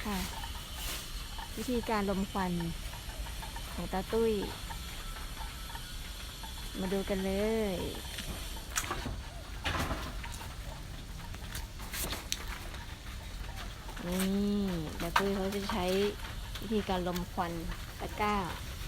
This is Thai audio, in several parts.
ค่ะวิธีการลมควันของตาตุ้ยมาดูกันเลยนี่ตาตุ้ยเขาจะใช้วิธีการลมควันตะกร้า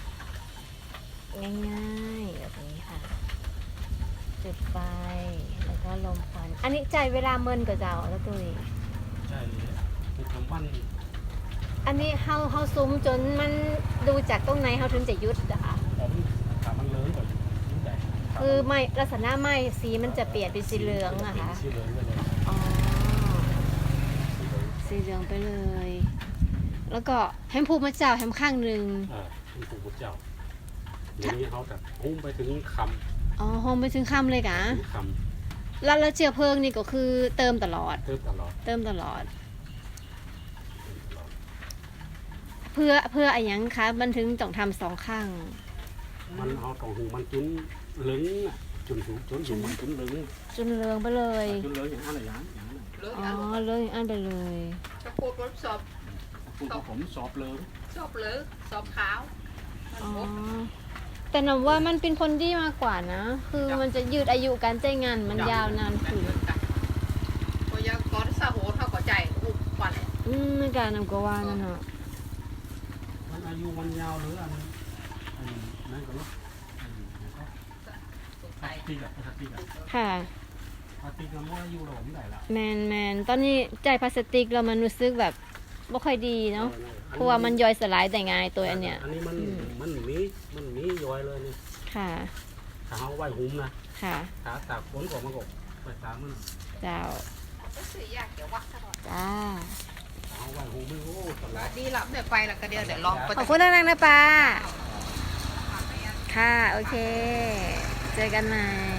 ง่ายๆแบบนี้ค่ะจุดไฟแล้วก็ลมควันอันนี้ใจเวลาเมินกับเจ้าตาตุ้ยใช่เป็นคำวันอันนี้เฮาซุ้มจนมันดูจากตรงไหนเฮาถึงจะยุดอะค่ะผมถามมันเลิ้งก่อนยิ่งใหญ่คือไม้ลักษณะไม้สีมันจะเปลี่ยนเป็นสีเหลืองอะค่ะสีเหลืองไปเลยอ๋อสีเหลืองไปเลย แล้วก็แฮมพูมาเจ้าแฮมข้างหนึ่งเป็นผู้บุญเจ้าเดี๋ยวนี้เขาแต่หุ้มไปถึงคำอ๋อโฮมไปถึงค่ำเลยกะคำแล้วเชื้อเพลิงนี่ก็คือเติมตลอดเติมตลอดเพื่ออะไรยังคะมันถึงต้องทำ2ข้างมันเอาตรงหูมันจุนเหลืองจุนหูมันจุนเหลืองจนเหลืองไปเลยจุนเหลืองอย่างนั้นอย่างนั้นอ๋อเหลืองอย่างนั้นไปเลยจะพูดรถสอบพูดกับผมสอบเหลืองสอบขาวอ๋อแต่หนูว่ามันเป็นคนดีมากกว่านะคือมันจะยืดอายุการใช้งานมันยาวนานขึ้นพอยาก้อนสะโหเท่ากับใจอุบวันไม่การนำก็ว่านั่นเนาะมันอายุมันยาวหรืออันนั่นก็ลูกตีกับค่ะตีกับว่าอายุเราไม่ได้ละแมนตอนนี้ใจพลาสติกเรามันรู้สึกแบบไม่ค่อยดีเนาะเพราะว่ามันย่อยสลายแต่ง่ายตัวอันเนี้ยอันนี้มันมีย่อยเลยเนี่ยค่ะถ้าเขาไหวหุ้มนะค่ะถ้าตากฝนก่อนมันก็ไปตามมันเจ้าจ้าเอาไหวหุ้มไม่โอ้ตลอดดีหลับเดี๋ยวไปแล้วก็เดี๋ยวลองขอบคุณนักนะป้าค่ะโอเคเจอกันใหม่